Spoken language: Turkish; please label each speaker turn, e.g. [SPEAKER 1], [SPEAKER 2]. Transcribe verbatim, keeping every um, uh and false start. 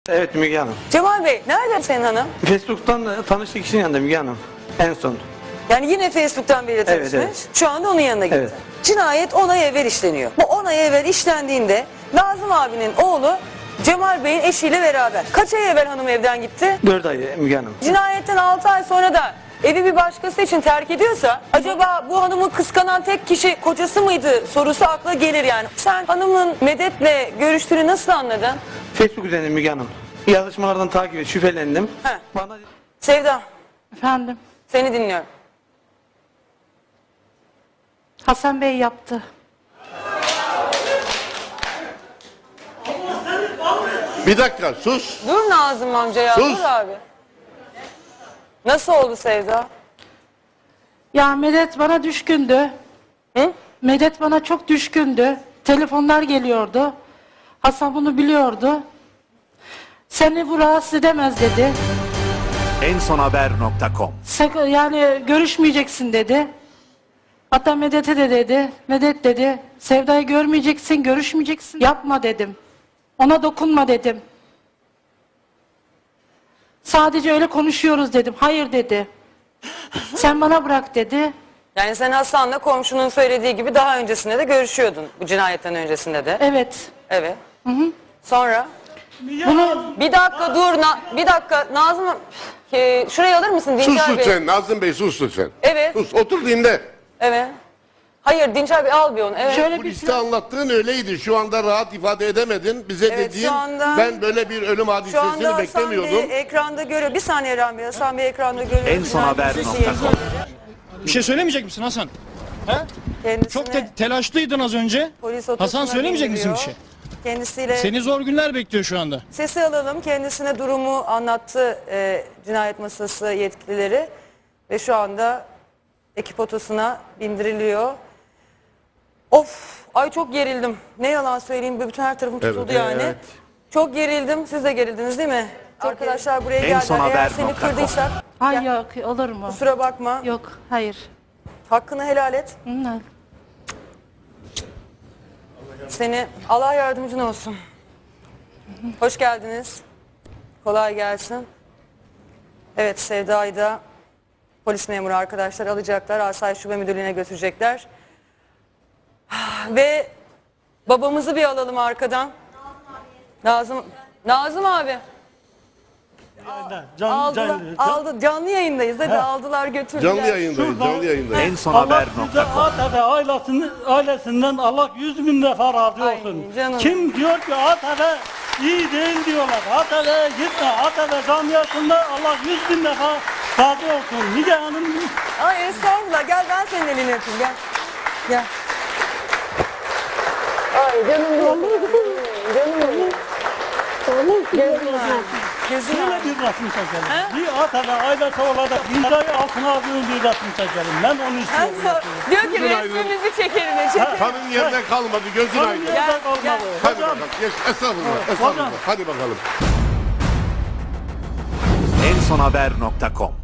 [SPEAKER 1] Evet Müge Hanım.
[SPEAKER 2] Cemal Bey, nerede senin hanım?
[SPEAKER 1] Facebook'tan da tanıştık, kişinin yanında Müge Hanım. En son.
[SPEAKER 2] Yani yine Facebook'tan biriyle
[SPEAKER 1] Evet,
[SPEAKER 2] tanışmış.
[SPEAKER 1] evet.
[SPEAKER 2] Şu anda onun yanına gitti.
[SPEAKER 1] Evet.
[SPEAKER 2] Cinayet on ay evvel işleniyor. Bu on ay evvel işlendiğinde Nazım abinin oğlu Cemal Bey'in eşiyle beraber. Kaç ay evvel hanım evden gitti?
[SPEAKER 1] Dört ay Müge Hanım.
[SPEAKER 2] Cinayetten altı ay sonra da evi bir başkası için terk ediyorsa acaba bu hanımı kıskanan tek kişi kocası mıydı sorusu akla gelir yani. Sen hanımın Medet'le görüştüğünü nasıl anladın?
[SPEAKER 1] Facebook üzerinden Müge Hanım. Yazışmalardan takip et, şüphelendim.
[SPEAKER 2] Heh.
[SPEAKER 1] Bana
[SPEAKER 2] Sevda,
[SPEAKER 3] Efendim,
[SPEAKER 2] seni dinliyorum.
[SPEAKER 3] Hasan Bey yaptı.
[SPEAKER 4] Bir dakika sus.
[SPEAKER 2] Dur Nazım amca ya,
[SPEAKER 4] Sus.
[SPEAKER 2] dur abi. Nasıl oldu Sevda?
[SPEAKER 3] Ya Medet bana düşkündü.
[SPEAKER 2] Hı?
[SPEAKER 3] Medet bana çok düşkündü. Telefonlar geliyordu. Hasan bunu biliyordu. Seni bu rahatsız edemez dedi.
[SPEAKER 5] ensonhaber nokta com
[SPEAKER 3] Sak- Yani görüşmeyeceksin dedi. Hatta Medet'e de dedi. Medet dedi. Sevda'yı görmeyeceksin, görüşmeyeceksin. Yapma dedim. Ona dokunma dedim. Sadece öyle konuşuyoruz dedim. Hayır dedi. Sen bana bırak dedi.
[SPEAKER 2] Yani sen Hasan'la komşunun söylediği gibi daha öncesinde de görüşüyordun. Bu cinayetten öncesinde de.
[SPEAKER 3] Evet.
[SPEAKER 2] Evet. Sonra?
[SPEAKER 3] Bunu
[SPEAKER 2] Bir dakika dur. Na- bir dakika Nazım. Ee, şurayı alır mısın
[SPEAKER 4] Sus
[SPEAKER 2] Dinçer Bey?
[SPEAKER 4] lütfen Nazım Bey, sus lütfen.
[SPEAKER 2] Evet.
[SPEAKER 4] Sus, otur dinle.
[SPEAKER 2] Evet. Hayır Dinçer Bey al bir onu. Evet.
[SPEAKER 3] şöyle
[SPEAKER 4] Bu
[SPEAKER 3] bir
[SPEAKER 4] liste anlattığın öyleydi. Şu anda rahat ifade edemedin. Bize
[SPEAKER 2] Evet,
[SPEAKER 4] dediğin
[SPEAKER 2] şu anda-
[SPEAKER 4] ben böyle bir ölüm
[SPEAKER 2] Şu anda
[SPEAKER 4] hadisesini
[SPEAKER 2] Hasan
[SPEAKER 4] beklemiyordum.
[SPEAKER 2] Bey ekranda görüyor. Bir saniye Erhan Bey. Hasan Bey ekranda görüyor.
[SPEAKER 5] ensonhaber nokta com
[SPEAKER 6] Bir şey söylemeyecek misin Hasan? He?
[SPEAKER 2] Kendisine
[SPEAKER 6] Çok te- telaşlıydın az önce.
[SPEAKER 2] polis otosuna
[SPEAKER 6] Hasan söylemeyecek misin bir
[SPEAKER 2] bindiriyor.
[SPEAKER 6] şey?
[SPEAKER 2] Kendisiyle
[SPEAKER 6] Seni zor günler bekliyor şu anda.
[SPEAKER 2] sesi alalım. Kendisine durumu anlattı e, cinayet masası yetkilileri. Ve şu anda ekip otosuna bindiriliyor. Of! Ay çok gerildim. Ne yalan söyleyeyim. Bütün her tarafım tutuldu
[SPEAKER 4] Evet,
[SPEAKER 2] yani.
[SPEAKER 4] evet.
[SPEAKER 2] Çok gerildim. Siz de gerildiniz değil mi? Arkadaşlar buraya geldiler. Eğer
[SPEAKER 5] ensonhaber
[SPEAKER 2] seni
[SPEAKER 5] nokta com
[SPEAKER 2] kırdıysak
[SPEAKER 3] Hayır
[SPEAKER 2] ya,
[SPEAKER 3] yok olur mu?
[SPEAKER 2] kusura bakma.
[SPEAKER 3] Yok hayır.
[SPEAKER 2] Hakkını helal et.
[SPEAKER 3] Hı,
[SPEAKER 2] Seni Allah yardımcın olsun. Hoş geldiniz. Kolay gelsin. Evet Sevda'yı da polis memuru arkadaşlar alacaklar. Asayiş Şube Müdürlüğü'ne götürecekler. Ve babamızı bir alalım arkadan. Nazım Nazım abi.
[SPEAKER 7] Can,
[SPEAKER 2] Aldılar,
[SPEAKER 7] can,
[SPEAKER 2] aldı, canlı yayındayız. Hadi aldılar götürdüler.
[SPEAKER 4] Canlı yayındayız,
[SPEAKER 7] Şuradan-
[SPEAKER 4] canlı yayındayız.
[SPEAKER 5] ensonhaber
[SPEAKER 7] Allah
[SPEAKER 5] nokta
[SPEAKER 7] size
[SPEAKER 5] com
[SPEAKER 7] At ve ailesinin, ailesinden Allah yüz bin defa razı
[SPEAKER 2] Ay,
[SPEAKER 7] olsun.
[SPEAKER 2] canım.
[SPEAKER 7] Kim diyor ki At ve iyi değil diyorlar. At ve gitme. At ve camiasında Allah yüz bin defa razı olsun. Müge Hanım
[SPEAKER 2] Ay estağfurullah gel ben senin elini öpeyim gel. Gel. Ay canım benim. Canım benim. Gözün ağrıyor. Gözün
[SPEAKER 7] şöyle
[SPEAKER 2] ağrıyor.
[SPEAKER 7] bir resim çekelim.
[SPEAKER 2] He?
[SPEAKER 7] Bir At ve ailesi olarak imzayı altına aldığım bir resim çekelim. Ben onu istiyorum.
[SPEAKER 2] Diyor ki
[SPEAKER 4] Gözün aydın.
[SPEAKER 2] resmimizi çekelim. Çekelim.
[SPEAKER 4] Kanın yerine kalmadı, gözün
[SPEAKER 7] Onun
[SPEAKER 4] aydın.
[SPEAKER 7] yerine
[SPEAKER 2] Gel,
[SPEAKER 7] kalmadı.
[SPEAKER 2] gel.
[SPEAKER 4] Hadi
[SPEAKER 7] Hocam,
[SPEAKER 4] bakalım, geç. Estağfurullah,
[SPEAKER 7] Hocam.
[SPEAKER 4] estağfurullah. Hadi bakalım.
[SPEAKER 5] ensonhaber nokta com